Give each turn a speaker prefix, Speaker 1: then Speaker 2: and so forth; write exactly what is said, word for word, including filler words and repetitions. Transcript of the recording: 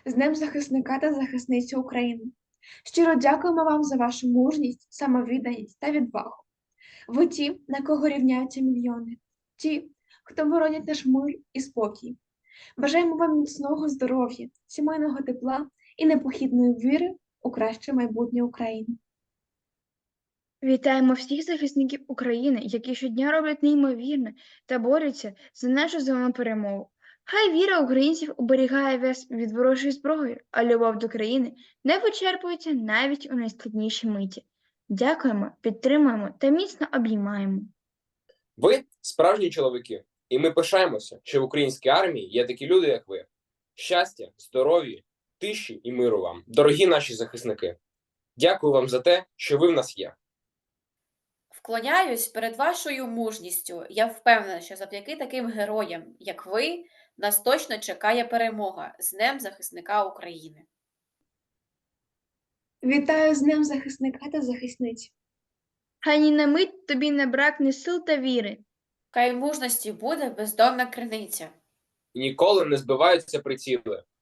Speaker 1: З Днем захисника та захисниці України. Щиро дякуємо вам за вашу мужність, самовідданість та відвагу. Ви ті, на кого рівняються мільйони, ті, хто боронять наш мир і спокій. Бажаємо вам міцного здоров'я, сімейного тепла і непохідної віри у краще майбутнє України.
Speaker 2: Вітаємо всіх захисників України, які щодня роблять неймовірне та борються за нашу з вами перемогу. Хай віра українців оберігає вас від ворожої зброї, а любов до країни не вичерпується навіть у найскладніші миті. Дякуємо, підтримуємо та міцно обіймаємо.
Speaker 3: Ви справжні чоловіки, і ми пишаємося, що в українській армії є такі люди, як ви. Щастя, здоров'я, тиші і миру вам, дорогі наші захисники. Дякую вам за те, що ви в нас є.
Speaker 4: Вклоняюсь перед вашою мужністю. Я впевнена, що завдяки таким героям, як ви, нас точно чекає перемога з Днем захисника України.
Speaker 1: Вітаю з Днем захисника та захисниці.
Speaker 2: Хай ні на мить тобі не бракне сил та віри.
Speaker 4: Хай мужності буде бездонна криниця.
Speaker 3: І ніколи не збиваються приціли.